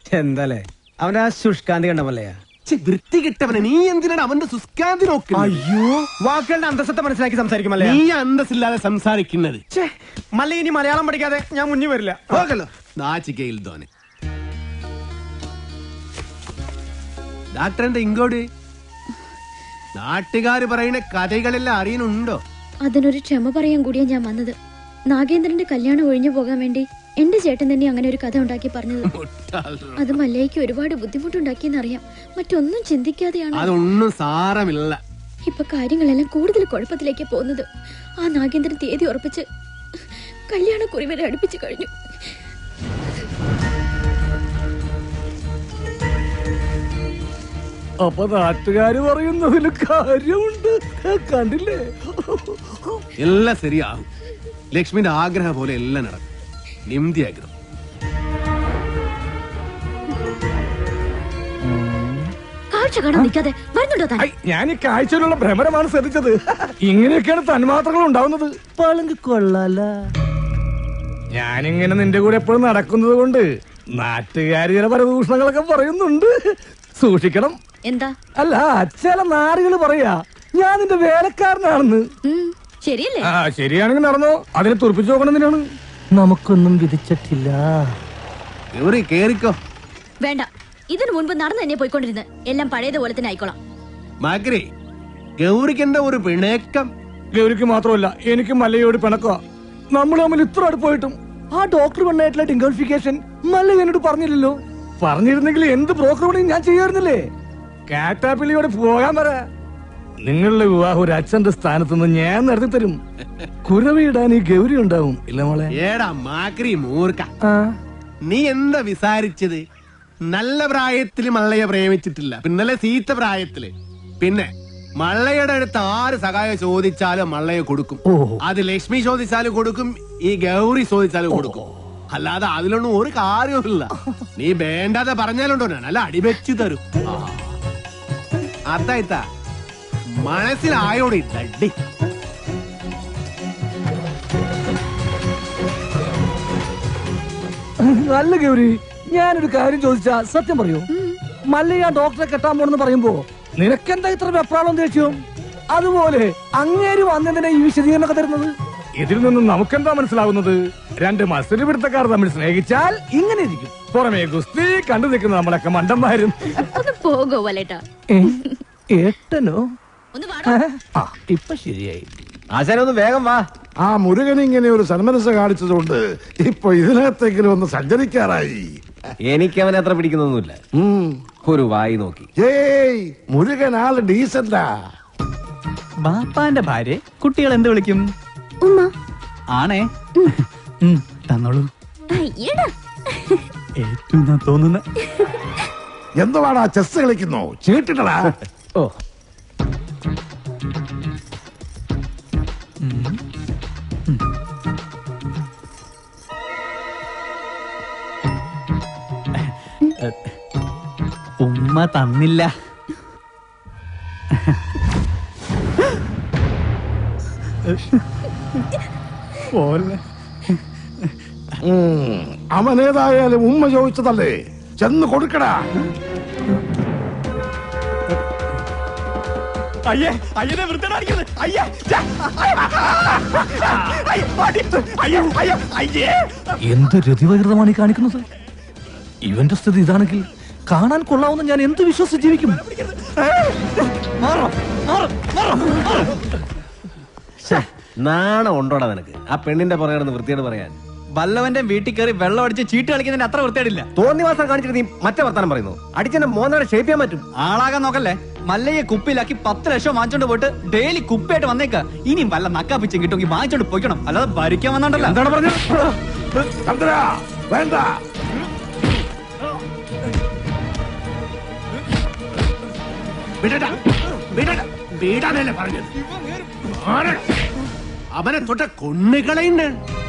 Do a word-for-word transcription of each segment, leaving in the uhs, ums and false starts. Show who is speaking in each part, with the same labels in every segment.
Speaker 1: എന്താലേ അവന്റെ ആ ശുഷ്കാന്തി കണ്ടമല്ലയാ
Speaker 2: വൃത്തി കിട്ടവനെ. നീ എന്തിനാണ് അവന്റെ ശുഷ്കാന്തി നോക്കുന്നത്?
Speaker 1: അയ്യോ, വാക്കുകളുടെ അന്തസ്സത്തെ മനസ്സിലാക്കി സംസാരിക്കുമല്ലേ.
Speaker 2: നീ അന്തസ്സില്ലാതെ സംസാരിക്കുന്നത്.
Speaker 1: മല്ല ഇനി മലയാളം പഠിക്കാതെ ഞാൻ മുന്നിൽ വരില്ല.
Speaker 2: പോകല്ലോ നാച്ചിക്കയിൽ തോനെ. ഡാക്ടറിന്റെ ഇങ്ങോട്ട് നാട്ടുകാര് പറയുന്ന കഥകളെല്ലാം അറിയുന്നുണ്ടോ?
Speaker 3: അതിനൊരു ക്ഷമ പറയാൻ കൂടിയാ ഞാൻ വന്നത്. നാഗേന്ദ്രന്റെ കല്യാണം ഒഴിഞ്ഞു പോകാൻ വേണ്ടി എന്റെ ചേട്ടൻ തന്നെ അങ്ങനെ ഒരു കഥ ഉണ്ടാക്കി പറഞ്ഞത്. അത് മല്ലയ്ക്ക് ഒരുപാട് ബുദ്ധിമുട്ടുണ്ടാക്കിയെന്നറിയാം. മറ്റൊന്നും ചിന്തിക്കാതെയാണ്.
Speaker 2: അതൊന്നും സാരമില്ല.
Speaker 3: ഇപ്പൊ കാര്യങ്ങളെല്ലാം കൂടുതൽ കുഴപ്പത്തിലേക്ക് പോകുന്നത്. ആ നാഗേന്ദ്രൻ തീയതി ഉറപ്പിച്ച് കല്യാണക്കുറി വരെ അടുപ്പിച്ചു കഴിഞ്ഞു.
Speaker 4: അപ്പൊ നാട്ടുകാര് പറയുന്നതിൽ കാര്യമുണ്ട്. കണ്ടില്ലേ?
Speaker 2: എല്ലാം ശരിയാകും. ലക്ഷ്മിന്റെ ആഗ്രഹം പോലെ എല്ലാം നടക്കും. നിംതി ആഗ്രഹം.
Speaker 4: ഞാൻ ഈ കാഴ്ചയിലുള്ള ഭ്രമരമാണ് ശ്രദ്ധിച്ചത്. ഇങ്ങനെയൊക്കെയാണ് തന്മാത്രകൾ ഉണ്ടാവുന്നത്. പളുങ്ക് കൊള്ളാല. ഞാനിങ്ങനെ നിന്റെ കൂടെ എപ്പോഴും നടക്കുന്നത് കൊണ്ട് നാട്ടുകാര് ചില പരദൂഷണങ്ങളൊക്കെ പറയുന്നുണ്ട്. സൂക്ഷിക്കണം.
Speaker 3: എന്താ?
Speaker 4: അല്ല, ചില നാറുകള് പറയാ ഞാൻ നിന്റെ വേലക്കാരനാണെന്ന്.
Speaker 3: ശരിയല്ലേ?
Speaker 4: ആ, ശരിയാണെങ്കിൽ നടന്നോ. അതിനെ തുറപ്പിച്ചു നോക്കണം. എന്തിനാണ്? നമുക്കൊന്നും വിധിച്ചിട്ടില്ല.
Speaker 2: കേറിക്കോ.
Speaker 3: വേണ്ട, ഇതിനു മുൻപ് നടന്നു തന്നെ പോയിക്കൊണ്ടിരുന്നത്. എല്ലാം പഴയതുപോലെ തന്നെ ആയിക്കോളാം.
Speaker 2: മാക്രി, ഗൗരിക്കെന്താ ഒരു പിണക്കം?
Speaker 4: ഗൗരിക്ക് മാത്രമല്ല, എനിക്ക് മല്ലയോട് പിണക്കുക. നമ്മൾ തമ്മിൽ ഇത്ര അടുപ്പായിട്ടും ആ ഡോക്ടർ പെണ്ണായിട്ടുള്ള ഡിംഗോളിഫിക്കേഷൻ മല്ല എന്നോട് പറഞ്ഞില്ലല്ലോ. പറഞ്ഞിരുന്നെങ്കിൽ എന്ത് ബ്രോക്കർ പണിയും ഞാൻ ചെയ്യാറുന്നില്ലേ. കാറ്റാപ്പിള്ളിയോട് പോകാൻ പറ. നിങ്ങളുടെ വിവാഹം ഒരു അച്ഛന്റെ സ്ഥാനത്ത് നിന്ന് ഞാൻ നടത്തി തരും. കുരവിടാൻ ഈ ഗൗരി ഉണ്ടാവും. ഇല്ല മോളെ?
Speaker 2: ഏടാ മാക്രി മൂർക്ക, നീ എന്താ വിസാരിച്ചത്? നല്ല പ്രായത്തില് മള്ളയെ പ്രേമിച്ചിട്ടില്ല, പിന്നല്ലേ സീത്ത പ്രായത്തില്. പിന്നെ മള്ളയുടെ അടുത്ത് ആര് സഹായം ചോദിച്ചാലും മള്ളയെ കൊടുക്കും. അത് ലക്ഷ്മി ചോദിച്ചാലും കൊടുക്കും, ഈ ഗൗരി ചോദിച്ചാലും കൊടുക്കും. അല്ലാതെ അതിലൊന്നും ഒരു കാര്യവുമില്ല. നീ വേണ്ടാതെ പറഞ്ഞാലുണ്ടോ ഞാൻ അല്ല അടിവെച്ചു തരും. അതായിത്താ മനസ്സിലായോടി തട്ടി.
Speaker 4: നല്ല ഗൗരി, ഞാനൊരു കാര്യം ചോദിച്ചാ സത്യം പറയൂ. മല്ലയ്യ ഡോക്ടറെ കെട്ടാൻ പോണെന്ന് പറയുമ്പോ നിനക്കെന്താ ഇത്ര വെപ്രാളം ദേഷ്യം? അതുപോലെ അങ്ങേര് വന്നതിനെ ഈ വിശദീകരണമൊക്കെ തരുന്നത്. ഇതിൽ നിന്നും നമുക്കെന്താ മനസ്സിലാവുന്നത്? രണ്ട് മത്സര പിടുത്തക്കാർ തമ്മിൽ സ്നേഹിച്ചാൽ ഇങ്ങനെ ഇരിക്കും. പുറമേ ഗുസ്തി കണ്ടു നിൽക്കുന്ന നമ്മളൊക്കെ മണ്ടന്മാരും.
Speaker 3: പോകോ വലേട്ടാ.
Speaker 4: ഏട്ടനോ? ഇപ്പൊ ശരിയായി.
Speaker 1: ആശാനൊന്ന് വേഗം വാ.
Speaker 5: ആ മുരുകൻ ഇങ്ങനെ ഒരു സന്മനസ് കാണിച്ചതുകൊണ്ട് ഇപ്പൊ ഇതിനകത്തെങ്കിലും ഒന്ന് സഞ്ചരിക്കാറായി.
Speaker 1: എനിക്ക് അവനെ അത്ര പിടിക്കുന്നൊന്നുമില്ല. ഒരു വായി നോക്കി.
Speaker 5: ഏയ്, മുരുകൻ ആള് ഡീസന്റാ.
Speaker 6: ബാപ്പാന്റെ ഭാര്യ കുട്ടികൾ എന്ത് വിളിക്കും?
Speaker 3: ഉമ്മ.
Speaker 6: ആണേ, തന്നോളൂ. ഏറ്റവും തോന്നുന്ന
Speaker 5: എന്തുവാടാ ചെസ് കളിക്കുന്നു? ചീട്ടിട്ടടാ.
Speaker 4: ഓ,
Speaker 6: ഉമ്മ തന്നില്ല.
Speaker 5: അവനേതായാലും ഉമ്മ ചോദിച്ചതല്ലേ, ചെന്ന് കൊടുക്കടാ.
Speaker 6: അയ്യേ, അയ്യനെ വൃത്തിയാക്കുന്നത്. അയ്യേ,
Speaker 4: എന്ത് രതിവകൃതമാണ് ഈ കാണിക്കുന്നത്? ഇവന്റെ സ്ഥിതി ഇതാണെങ്കിൽ കാണാൻ കൊള്ളാവുന്ന ഞാൻ എന്ത് വിശ്വസിച്ച് ജീവിക്കും?
Speaker 1: നാണം ഉണ്ടോടാ നിനക്ക്? ആ പെണ്ണിന്റെ പുറകെ വൃത്തിയോട് പറയാൻ.
Speaker 6: വല്ലവന്റെ വീട്ടിൽ കയറി വെള്ളം അടിച്ച് ചീട്ട് കളിക്കുന്നതിന് അത്ര വൃത്തിയായിട്ടില്ല.
Speaker 1: തോന്നിവാസം കാണിച്ചിട്ട് നീ മറ്റേ വർത്താനം പറയുന്നു. അടിച്ചെന്നെ മോനാടെ ഷേപ്പ് ചെയ്യാൻ പറ്റും.
Speaker 6: ആളാകാൻ നോക്കല്ലേ. മല്ലയെ കുപ്പിയിലാക്കി പത്ത് ലക്ഷം വാങ്ങിച്ചോണ്ട് പോയിട്ട് ഡെയിലി കുപ്പിയായിട്ട് വന്നേക്ക. ഇനിയും വല്ല നക്കാപ്പിച്ചും കിട്ടുമെങ്കിൽ വാങ്ങിച്ചോണ്ട് പോയിക്കണം. അല്ലാതെ ഭരിക്കാൻ വന്നോണ്ടല്ലോ.
Speaker 5: എന്താണ് പറഞ്ഞത്? വേണ്ട.
Speaker 2: അവനെ തൊട്ട കൊണ്ണുകളയുണ്ട്.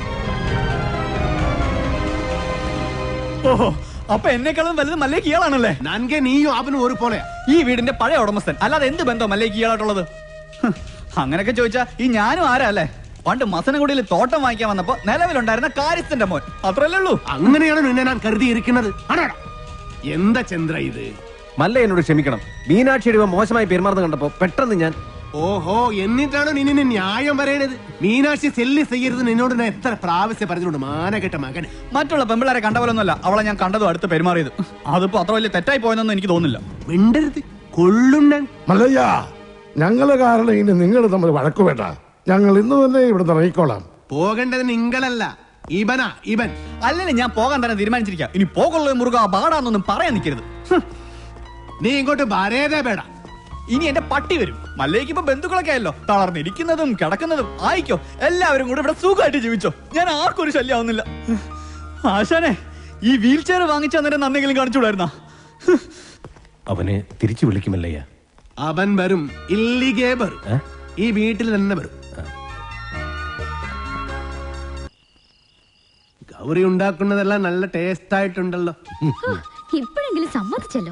Speaker 6: ഓഹോ, അപ്പൊ എന്നെക്കാളും വലുത് മല്ലേക്ക് ഇയാളാണല്ലേ?
Speaker 2: നൻകെ നീയും അവനും ഒരു പോലെ.
Speaker 6: ഈ വീടിന്റെ പഴയ ഉടമസ്ഥൻ, അല്ലാതെ എന്ത് ബന്ധം മല്ലേക്ക് ഇയാളായിട്ടുള്ളത്? അങ്ങനെയൊക്കെ ചോദിച്ചാ ഈ ഞാനും ആരാ അല്ലേ? പണ്ട് മസനഗുഡിയിൽ തോട്ടം വാങ്ങിക്കാൻ വന്നപ്പോ നിലവിലുണ്ടായിരുന്ന കാര്യസ്ഥന്റെ മോൻ, അത്രല്ലേ ഉള്ളൂ.
Speaker 2: അങ്ങനെയാണ് നിന്നെ ഞാൻ കരുതിയിരിക്കുന്നത്. എന്താ ചന്ദ്ര ഇത്?
Speaker 1: മല്ല എന്നോട് ക്ഷമിക്കണം. മീനാക്ഷിയുടെ ഇവൻ മോശമായി പെരുമാറുന്ന കണ്ടപ്പോ പെട്ടെന്ന് ഞാൻ
Speaker 2: ഓഹോ, എന്നിട്ടാണോ നീ നിന്നെ ന്യായം പറയണത്? മീനാക്ഷി സെല്ലി ചെയ്യരുത് നിന്നോട് ഞാൻ എത്ര പ്രാവശ്യം പറഞ്ഞിട്ടുണ്ട്, മാനകെട്ട മകൻ.
Speaker 6: മറ്റുള്ള പെമ്പിളാരെ കണ്ട പോലൊന്നുമല്ല അവളെ ഞാൻ കണ്ടതും അടുത്ത് പെരുമാറിയത്. അതിപ്പോ അത്ര വലിയ തെറ്റായി പോയെന്നൊന്നും എനിക്ക് തോന്നുന്നില്ല.
Speaker 2: മിണ്ടരുത്, കൊള്ളുണ്ണൻ.
Speaker 5: മല്ലയ്യ, ഞങ്ങള് കാരണം ഇനി നിങ്ങൾ തമ്മിൽ വഴക്കു വേണ്ട. ഞങ്ങൾ ഇന്ന് തന്നെ ഇവിടെ ഇറങ്ങിക്കോളാം.
Speaker 2: പോകേണ്ടത് നിങ്ങളല്ല, ഇവനാ ഇവൻ.
Speaker 6: അല്ലെങ്കിൽ ഞാൻ പോകാൻ തന്നെ തീരുമാനിച്ചിരിക്കാം. ഇനി പോകുള്ള മുറുക പാടാന്നൊന്നും പറയാൻ നിൽക്കരുത്.
Speaker 2: നീ ഇങ്ങോട്ട് വരേതേ പേടാ.
Speaker 6: ഇനി എന്റെ പട്ടി വരും. മല്ലേക്ക് ഇപ്പൊ ബന്ധുക്കളൊക്കെ ആയല്ലോ, തളർന്നിരിക്കുന്നതും കിടക്കുന്നതും ആയിക്കോ. എല്ലാവരും കൂടെ ഇവിടെ സുഖമായിട്ട് ജീവിച്ചോ. ഞാൻ ആർക്കും ഒരു ശല്യമാവുന്നില്ല. ആശാനെ, ഈ വീൽ ചെയർ വാങ്ങിച്ചു തന്നിട്ട് നന്നെങ്കിലും കാണിച്ചുകൂടായിരുന്നാ?
Speaker 1: അവനെ തിരിച്ചു വിളിക്കുമല്ലയ്യ.
Speaker 2: അവൻ വരും, ഇല്ലിഗേ വരും. ഈ വീട്ടിൽ തന്നെ വരും. ഗൗരി ഉണ്ടാക്കുന്നതെല്ലാം നല്ല ടേസ്റ്റ് ആയിട്ടുണ്ടല്ലോ.
Speaker 3: ഇപ്പോഴെങ്കിലും സമ്മതിച്ചല്ലോ.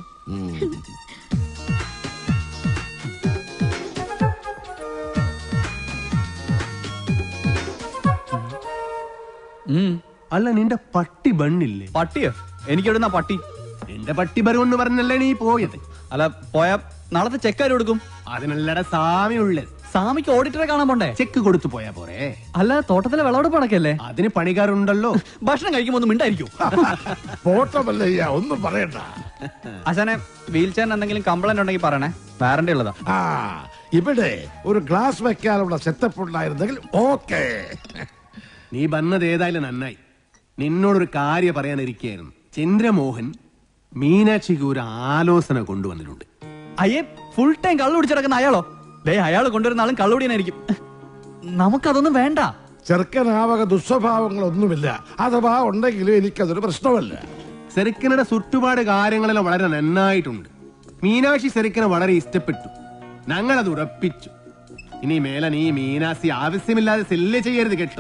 Speaker 2: അല്ല, നിന്റെ പട്ടി ബണ്ണില്ലേ?
Speaker 6: പട്ടിയോ? എനിക്ക് എവിടുന്ന പട്ടി?
Speaker 2: നിന്റെ പട്ടി ബരുമെന്ന് പറഞ്ഞല്ലേ നീ പോയത്?
Speaker 6: അല്ല, പോയാ നാളത്തെ ചെക്കാര് കൊടുക്കും.
Speaker 2: അതിനല്ലട സാമി ഉള്ളത്.
Speaker 6: സാമിക്ക് ഓഡിറ്ററെ കാണാൻ പോണ്ടേ?
Speaker 2: ചെക്ക് കൊടുത്തു പോയാ പോരെ?
Speaker 6: അല്ല, തോട്ടത്തിലെ വിളവെടുപ്പ് നടക്കല്ലേ?
Speaker 2: അതിന് പണിക്കാരുണ്ടല്ലോ.
Speaker 6: ഭക്ഷണം കഴിക്കുമ്പോ ഒന്നും മിണ്ടായിരിക്കും.
Speaker 5: പോട്ടെ മല്ലയ്യ, ഒന്നും പറയണ്ട.
Speaker 6: ആശാനെ, വീൽ ചെയറിന് എന്തെങ്കിലും കംപ്ലൈന്റ് ഉണ്ടെങ്കിൽ പറയണേ, വാറന്റി ഉള്ളതാ.
Speaker 5: ആ, ഇവിടെ ഒരു ഗ്ലാസ് വെക്കാനുള്ള സെറ്റപ്പ് ഉണ്ടായിരുന്നെങ്കിൽ ഓക്കെ.
Speaker 2: നീ വന്നത് ഏതായാലും നന്നായി. നിന്നോടൊരു കാര്യം പറയാനിരിക്കുകയായിരുന്നു. ചന്ദ്രമോഹൻ മീനാക്ഷിക്ക് ഒരു ആലോചന കൊണ്ടുവന്നിട്ടുണ്ട്.
Speaker 6: അയ്യേ, ഫുൾ ടൈം കള്ളു പിടിച്ചിടക്കുന്ന അയാളോ? ദേ, അയാൾ കൊണ്ടുവരുന്ന ആളും കള്ളുപിടിയനായിരിക്കും. നമുക്കതൊന്നും വേണ്ട.
Speaker 5: ചെറുക്കനാവക ദുസ്വഭാവങ്ങളൊന്നുമില്ല. അഥവാ ഉണ്ടെങ്കിലും എനിക്കതൊരു പ്രശ്നമല്ല.
Speaker 2: സെറിക്കനുടെ ചുറ്റുപാട് കാര്യങ്ങളെല്ലാം വളരെ നന്നായിട്ടുണ്ട്. മീനാക്ഷി സെറിക്കനെ വളരെ ഇഷ്ടപ്പെട്ടു. ഞങ്ങളത് ഉറപ്പിച്ചു. ഇനി മേലെ നീ മീനാക്ഷി ആവശ്യമില്ലാതെ സെല്ല് ചെയ്യരുത് കേട്ടോ.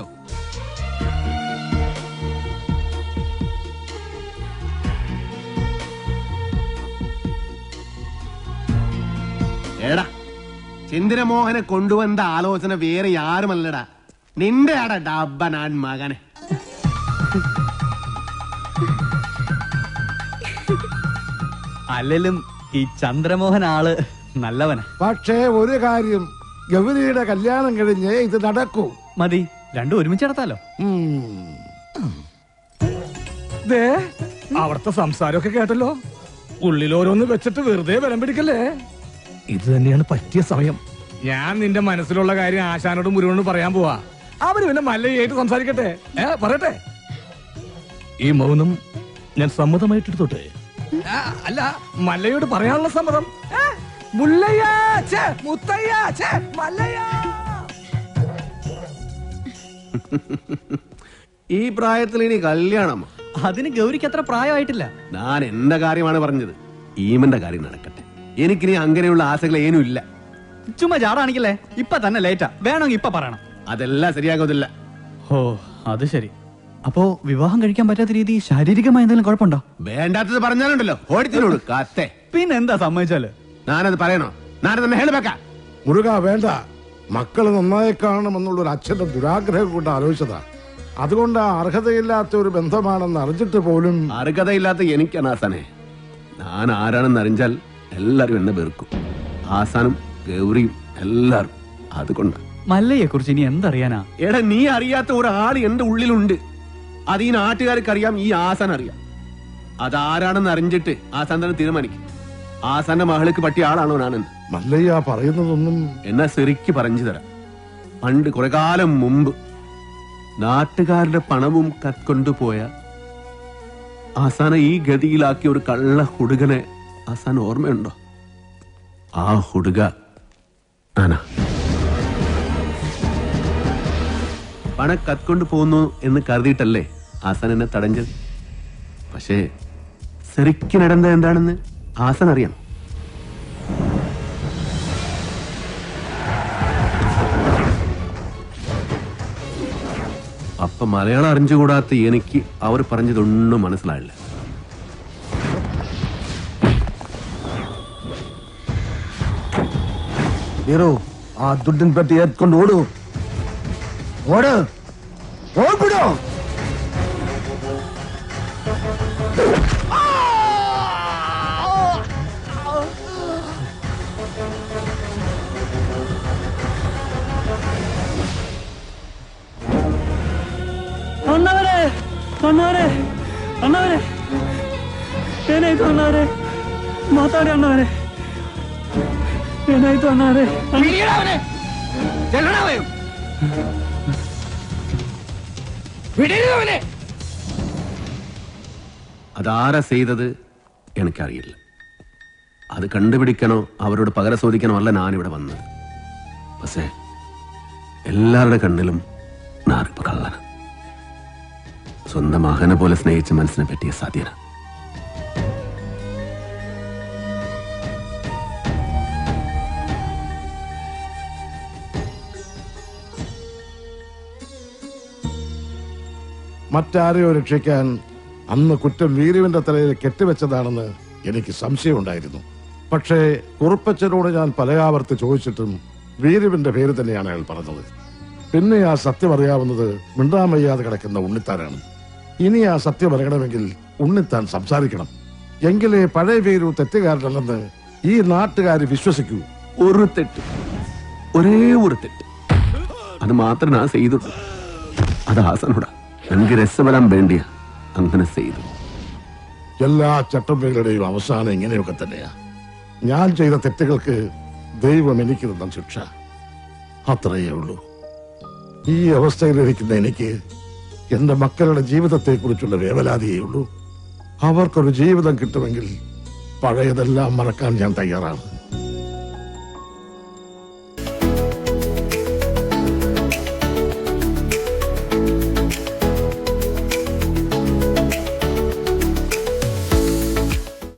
Speaker 2: എടാ, ചന്ദ്രമോഹനെ കൊണ്ടുവന്ന ആലോചന വേറെ ആരുമല്ലടാ, നിന്റെ ആടാ ഡബ്ബനാൻ മകനെ.
Speaker 6: അല്ലെങ്കിലും ഈ ചന്ദ്രമോഹൻ ആള് നല്ലവനാ.
Speaker 5: പക്ഷേ ഒരു കാര്യം, ഗൗരിയുടെ കല്യാണം കഴിഞ്ഞ് ഇത് നടക്കൂ.
Speaker 6: മതി, രണ്ടും ഒരുമിച്ച് നടത്താലോ.
Speaker 4: ദേ, അവിടുത്തെ സംസാരമൊക്കെ കേട്ടല്ലോ. ഉള്ളിൽ ഓരോന്ന് വെച്ചിട്ട് വെറുതെ ബലം പിടിക്കല്ലേ. ഇത് തന്നെയാണ് പറ്റിയ സമയം. ഞാൻ നിന്റെ മനസ്സിലുള്ള കാര്യം ആശാനോടും മുരുകനോടും പറയാൻ പോവാ. അവര് പിന്നെ മല്ലയായിട്ട് സംസാരിക്കട്ടെ. ഏ പറയട്ടെ. ഈ മൗനം ഞാൻ സമ്മതമായിട്ടെടുത്തോട്ടെ. ആ, അല്ല, മല്ലയോട് പറയാനുള്ള സമ്മതം. ഏ, മുല്ലയ്യ, ഛേ, മുത്തയ്യ, ഛേ, മല്ലയ്യ.
Speaker 2: ഈ പ്രായത്തിൽ ഇനി കല്യാണം?
Speaker 6: അതിന് ഗൗരിക്ക് അത്ര പ്രായമായിട്ടില്ല.
Speaker 2: ഞാൻ എന്റെ കാര്യമാണ് പറഞ്ഞത്. ഈമന്റെ കാര്യം നടക്കട്ടെ. എനിക്കിനി അങ്ങനെയുള്ള ആശകൾ ഏനും ഇല്ല.
Speaker 6: ചുമ്മാ ചാടാണിക്കല്ലേ. ഇപ്പൊ തന്നെ ലേറ്റാ. വേണമെങ്കിൽ ഇപ്പൊ പറയണം.
Speaker 2: അതെല്ലാം ശരിയാകത്തില്ല.
Speaker 6: ഓ, അത് ശരി. അപ്പോ വിവാഹം കഴിക്കാൻ പറ്റാത്ത രീതി ശാരീരികമായ എന്തെങ്കിലും കുഴപ്പമുണ്ടോ?
Speaker 2: വേണ്ടാത്തത് പറഞ്ഞാലുണ്ടല്ലോ ഓടിത്തിനോട് കാത്തെ.
Speaker 6: പിന്നെന്താ സമ്മതിച്ചാല്?
Speaker 2: ഞാനത് പറയണോ? ഞാനത് തന്നെ ഹേളുവെക്ക.
Speaker 5: മുരുക വേണ്ട. മക്കള് നന്നായി കാണണമെന്നുള്ള ഒരു അച്ഛന്റെ ദുരാഗ്രഹം കൊണ്ട് ആലോചിച്ചതാ. അതുകൊണ്ട് അർഹതയില്ലാത്ത ഒരു ബന്ധമാണെന്ന് അറിഞ്ഞിട്ട് പോലും.
Speaker 2: അർഹതയില്ലാത്ത എനിക്കാണ് ആസാനെ. ഞാൻ ആരാണെന്ന് അറിഞ്ഞാൽ എല്ലാരും എന്നെ വെറുക്കും. ആസാനും ഗൗരിയും എല്ലാരും. അതുകൊണ്ട്
Speaker 6: മല്ലയെ കുറിച്ച് ഇനി എന്തറിയാനാ?
Speaker 2: എടാ, നീ അറിയാത്ത ഒരാൾ എന്റെ ഉള്ളിലുണ്ട്. അത് ഈ നാട്ടുകാർക്ക് അറിയാം, ഈ ആസാൻ അറിയാം. അതാരാണെന്ന് അറിഞ്ഞിട്ട് ആസാൻ തന്നെ തീരുമാനിക്കും. ആസാന്റെ മകൾക്ക് പറ്റിയ ആളാണോ ഞാനെന്ന്.
Speaker 5: മല്ലയ്യ പറയുന്നതൊന്നും.
Speaker 2: എന്നാ ശരിക്ക് പറഞ്ഞു തരാം. പണ്ട് കുറെ കാലം മുമ്പ് നാട്ടുകാരുടെ പണവും കത്കൊണ്ടുപോയ ആസാനെ ഈ ഗതിയിലാക്കിയ ഒരു കള്ള ഹുടുകനെ ആസാൻ ഓർമ്മയുണ്ടോ? ആ ഹുടുക ആനാ. പണം കത്കൊണ്ടു പോകുന്നു എന്ന് കരുതിയിട്ടല്ലേ ആസാൻ എന്നെ തടഞ്ഞത്. പക്ഷേ ശരിക്കും നടന്നത് എന്താണെന്ന് ആസാൻ അറിയാം. അപ്പൊ മലയാളം അറിഞ്ഞുകൂടാത്ത എനിക്ക് അവർ പറഞ്ഞതൊന്നും മനസ്സിലായില്ല.
Speaker 7: ആ ദുഡൻ പെട്ടി എത്കൊണ്ട് ഓടൂ. ഓട്, ഓടിപ്പിടോ.
Speaker 6: ಅಣ್ಣವರೇ ಅಣ್ಣವರೇ ಏನಾಯ್ತು ಅಣ್ಣವರೇ ಮಾತಾಡಿ ಅಣ್ಣವರೇ ಏನಾಯ್ತು ಅಣ್ಣವರೇ
Speaker 2: അതാരാ ചെയ്തത് എനിക്കറിയില്ല. അത് കണ്ടുപിടിക്കണോ അവരോട് പകരം ചോദിക്കണോ അല്ല ഞാനിവിടെ വന്നത്. പക്ഷേ എല്ലാവരുടെ കണ്ണിലും ഞാനിപ്പോ കള്ളന. സ്വന്തം മകനെ പോലെ സ്നേഹിച്ച മനസ്സിനെ പറ്റിയ സാധ്യത.
Speaker 5: മറ്റാരെയോ രക്ഷിക്കാൻ അന്ന് കുറ്റം വീരുവിന്റെ തലയിൽ കെട്ടിവെച്ചതാണെന്ന് എനിക്ക് സംശയമുണ്ടായിരുന്നു. പക്ഷേ കുറുപ്പച്ചനോട് ഞാൻ പലയാവർത്തി ചോദിച്ചിട്ടും വീരുവിന്റെ പേര് തന്നെയാണ് അയാൾ പറഞ്ഞത്. പിന്നെ ആ സത്യം അറിയാവുന്നത് മിണ്ടാൻ വയ്യാതെ കിടക്കുന്ന ഉണ്ണിത്താനാണ്. ഇനി ആ സത്യം അറിയണമെങ്കിൽ ഉണ്ണിത്താൻ സംസാരിക്കണം. എങ്കിലേ പഴയ വീരു തെറ്റുകാരനല്ലെന്ന് ഈ നാട്ടുകാർ വിശ്വസിക്കൂ.
Speaker 2: ഒരു തെറ്റ്, ഒരേ ഒരു തെറ്റ്, അത് മാത്രം ഞാൻ ചെയ്തുള്ളൂ. അത് ഹാസനോടാ. എനിക്ക് രസവരാൻ വേണ്ടിയ അങ്ങനെ ചെയ്തു.
Speaker 5: എല്ലാ ചട്ടമ്പകളുടെയും അവസാനം ഇങ്ങനെയൊക്കെ തന്നെയാ. ഞാൻ ചെയ്ത തെറ്റുകൾക്ക് ദൈവം എനിക്ക് തന്ന ശിക്ഷ, അത്രയേ ഉള്ളൂ. ഈ അവസ്ഥയിലിരിക്കുന്ന എനിക്ക് എന്റെ മക്കളുടെ ജീവിതത്തെ കുറിച്ചുള്ള വേവലാതിയേ ഉള്ളൂ. അവർക്കൊരു ജീവിതം കിട്ടുമെങ്കിൽ പഴയതെല്ലാം മറക്കാൻ ഞാൻ തയ്യാറാണ്.